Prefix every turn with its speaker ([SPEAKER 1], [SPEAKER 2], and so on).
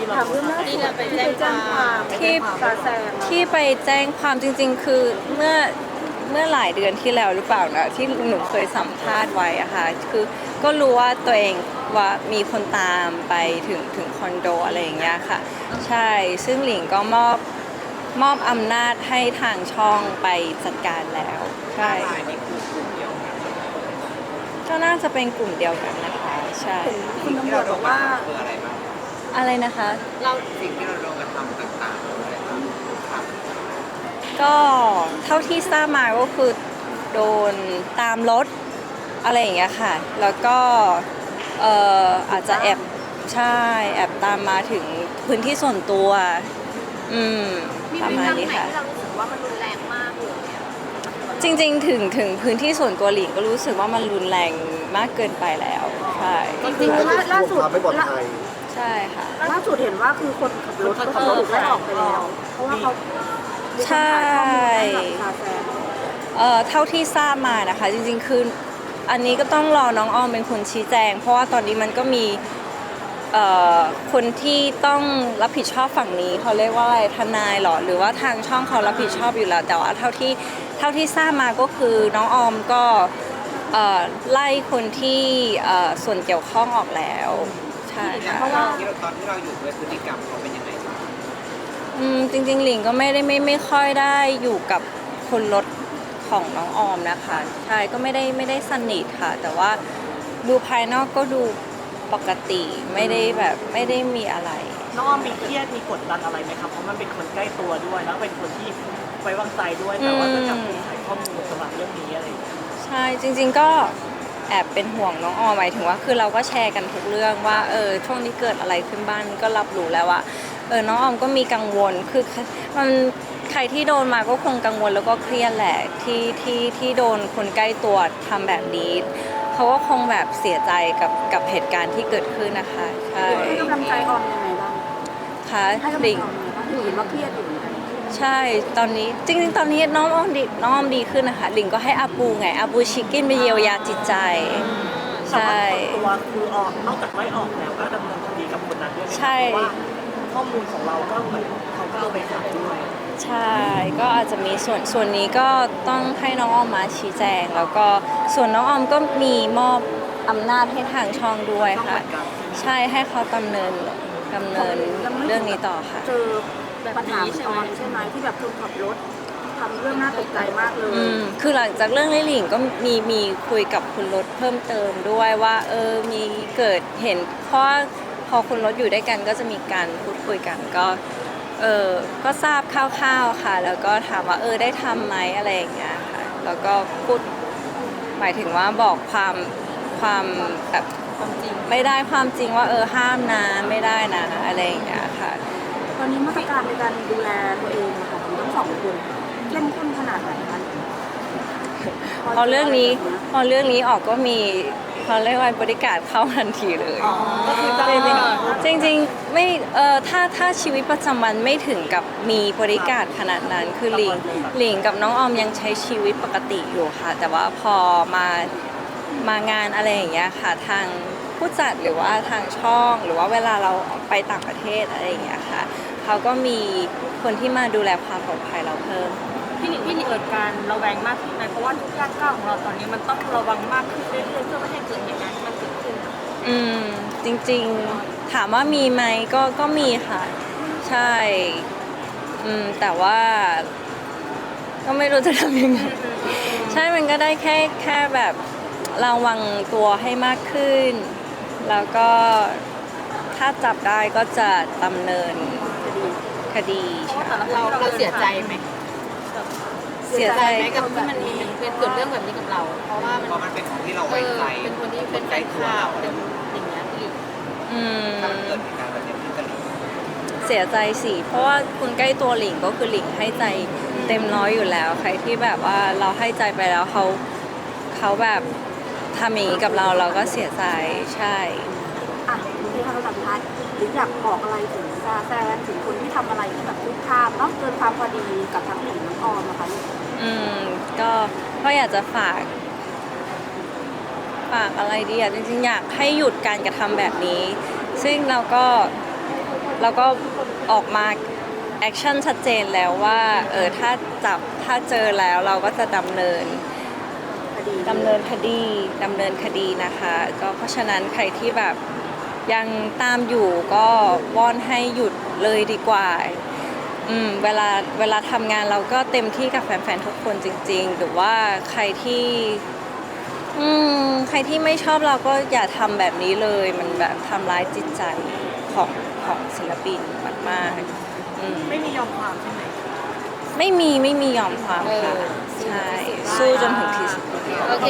[SPEAKER 1] ถามเรื่องล่าสุดที่ไปแจ้งความ
[SPEAKER 2] ที่
[SPEAKER 1] ซาแซง
[SPEAKER 2] ที่ไปแจ้งความจริงๆคือเมื่อหลายเดือนที่แล้วหรือเปล่านะที่หนูเคยสัมภาษณ์ไว้อะค่ะคือก็รู้ว่าตัวเองว่ามีคนตามไปถึงคอนโดอะไรอย่างเงี้ยค่ะใช่ซึ่งหลิงก็มอบอำนาจให้ทางช่องไปจัดการแล้วใช่ก็น่าจะเป็นกลุ่มเดียวกันนะคะใช่
[SPEAKER 1] คุณตำรวจบอกว่า
[SPEAKER 2] อะไรนะคะ
[SPEAKER 3] เราสิ่งที่เราโดนกระทำต่างๆอะไรบ้างครับ
[SPEAKER 2] ก็เท่าที่ทราบมาก็คือโดนตามรถอะไรอย่างเงี้ยค่ะแล้วก็อาจจะใช่แอบตามมาถึงพื้นที่ส่วนตัวประมาณนี้ค่ะ
[SPEAKER 4] ที่เรารู้สึกว่ามันรุนแรงมากเลย
[SPEAKER 2] จริงๆถึงพื้นที่ส่วนตัวหลิงก็รู้สึกว่ามันรุนแรงมากเกินไปแล้วใช่
[SPEAKER 1] จริงๆล่าสุด
[SPEAKER 2] ใช่ค่ะ
[SPEAKER 1] ล่าสุดเห็นว่าคือคนขับรถก็ถูกไล่ออกไปแล้วเพราะว่าเขา
[SPEAKER 2] ใช่เท่าที่ทราบมานะคะจริงๆคืออันนี้ก็ต้องรอน้องออมเป็นคนชี้แจงเพราะว่าตอนนี้มันก็มีคนที่ต้องรับผิดชอบฝั่งนี้เขาเรียกว่าอะไรทนายหรอหรือว่าทางช่องเขารับผิดชอบอยู่แล้วแต่ว่าเท่าที่ทราบมาก็คือน้องออมก็ไล่คนที่ส่วนเกี่ยวข้องออกแล้วใช่ค่ะ
[SPEAKER 3] เพราะว่าตอนที่เราอยู่ด้วยพฤติกรรมเขาเป็นยังไงบ้าง
[SPEAKER 2] จริงๆหลิงก็ไม่ค่อยได้อยู่กับคนรถของน้องออมนะคะใช่ก็ไม่ได้สนิทค่ะแต่ว่าดูภายนอกก็ดูปกติไม่ได้มีอะไร
[SPEAKER 5] น้องออมมีเครียดมีกดดันอะไรไหมครับเพราะมันเป็นคนใกล้ตัวด้วยแล้วเป็นคนที่ไว้วางใจด้วยแต่ว่าก็จับถูกถ่ายข้อมูลสำหรับเรื่องนี้อะไรอย่างเงี้ย
[SPEAKER 2] ใช่จริงๆก็แอบเป็นห่วงน้องออมหมายถึงว่าคือเราก็แชร์กันทุกเรื่องว่าช่วงนี้เกิดอะไรขึ้นบ้างก็รับรู้แล้วว่าน้องออมก็มีกังวลคือมันใครที่โดนมาก็คงกังวลแล้วก็เครียดแหละที่โดนคนใกล้ตัวทำแบบนี้เขาก็คงแบบเสียใจกับเหตุการณ์ที่เกิดขึ้นนะคะใช่
[SPEAKER 1] ให้กำลังใจออมยังไงบ้าง
[SPEAKER 2] ค่ะ
[SPEAKER 1] ให้กำลังใจออมยังไงบ้างเห็นว่าเครียดอยู่
[SPEAKER 2] ใช่ตอนนี้จริงๆตอนนี้น้องออมดีขึ้นนะคะหลิงก็ให้อาปูไงอาปูชิคกินไปเยียวยาจิตใจใช่
[SPEAKER 5] ตัวคือออกนอกจากไล่ออกแล้วก็ดำเนินคดีกับคนนั้นด้วย
[SPEAKER 2] ใช่
[SPEAKER 5] เพราะว่าข้อมูลของเราก็เหมือนเขาก็เอาไปขายด้วย
[SPEAKER 2] ใช่ก็อาจจะมีส่วนนี้ก็ต้องให้น้องออมมาชี้แจงแล้วก็ส่วนน้องออมก็มีมอบอำนาจให้ทางช่องด้วยค่ะใช่ให้เขาดำเนินเรื่องนี้ต่อค่ะ
[SPEAKER 1] เจอปัญหาออนใช่ไหมที่แบบคนขับรถทำเรื่องน่าตกใจมากเลย
[SPEAKER 2] คือหลังจากเรื่องลิหลิงก็มีคุยกับคุณรถเพิ่มเติมด้วยว่ามีเกิดเห็นเพราะพอคุณรถอยู่ด้วยกันก็จะมีการพูดคุยกันก็ทราบคร่าวๆค่ะแล้วก็ถามว่าได้ทำไหมอะไรอย่างเงี้ยค่ะแล้วก็พูดหมายถึงว่าบอกความแบบ
[SPEAKER 4] ความจริง
[SPEAKER 2] ไม่ได้ความจริงว่าห้ามนะไม่ได้นะอะไรอย่างเงี้ยค่ะ
[SPEAKER 1] ตอนนี้มาตรการในการดูแลตัวเองของทั้งสองคนเข้มข้นขนาดไหนคะ
[SPEAKER 2] พอเรื่องนี้ออกก็มีเขาเรียกว่าบริการเข้าทันทีเลยจริงๆไม่ถ้าชีวิตประจำวันไม่ถึงกับมีบริการขนาดนั้นคือหลิงกับน้องออมยังใช้ชีวิตปกติอยู่ค่ะแต่ว่าพอมางานอะไรอย่างเงี้ยค่ะทางผู้จัดหรือว่าทางช่องหรือว่าเวลาเราไปต่างประเทศอะไรอย่างเงี้ยค่ะเขาก็มีคนที่มาดูแลความปลอดภัยเราเพิ่ม
[SPEAKER 4] พี่หนิเกิดการระแวงมากขึ้นไหมเพราะว่าทุกย่างก้าวของเราตอนนี้มันต้องระวังมากขึ้นเรื่อยๆเพื่อไม่ให้เกิดเหตุการณ์ที่มันเกิดขึ้น
[SPEAKER 2] จริงๆถามว่ามีไหมก็มีค่ะใช่แต่ว่าก็ไม่รู้จะทำยังไงใช่มันก็ได้แค่แบบระวังตัวให้มากขึ้นแล้วก็ถ้าจับได้ก็จะดำเนินคดี
[SPEAKER 4] เราเสียใจไหมเสียใจไหมกับที่มันเป็นเกิดเรื่องแบบนี้กับเราเพราะว่า
[SPEAKER 3] มันเป็นคนที่เราไว้ใจ
[SPEAKER 4] เป็นคนที่เป็นใกล้ข่าวเป็นอย่างเงี้ยพี่
[SPEAKER 3] ถ้ามันเกิดเหตุการณ์แบบนี้ขึ้นกับหลิง
[SPEAKER 2] เสียใจสิเพราะว่าคนใกล้ตัวหลิงก็คือหลิงให้ใจเต็มร้อยอยู่แล้วใครที่แบบว่าเราให้ใจไปแล้วเขาแบบทำอย่างนี้กับเราก็เสียใจใช่
[SPEAKER 1] ที่เขาสัมภาษณ์หรืออยากบอกอะไรถึงซาแซนถึงคนที่ทำอะไรที่แบบคุกคามเนาะเกินความพอดีกับทั้งหลิงทั้งออมนะคะ
[SPEAKER 2] ก็อยากจะฝากอะไรดีจริงๆอยากให้หยุดการกระทำแบบนี้ซึ่งเราก็แล้วก็ออกมาแอคชั่นชัดเจนแล้วว่าถ้าจับถ้าเจอแล้วเราก็จะดำเนินคดีนะคะก็เพราะฉะนั้นใครที่แบบยังตามอยู่ก็วอนให้หยุดเลยดีกว่าเวลาทำงานเราก็เต็มที่กับแฟนๆทุกคนจริงๆหรือว่าใครที่ไม่ชอบเราก็อย่าทำแบบนี้เลยมันแบบทำร้ายจิตใจของศิลปินมากๆ
[SPEAKER 5] ไม่มียอมความใช่ไหม
[SPEAKER 2] ไม่มียอมความค่ะ ใช่ สู้จนถึงที่สุด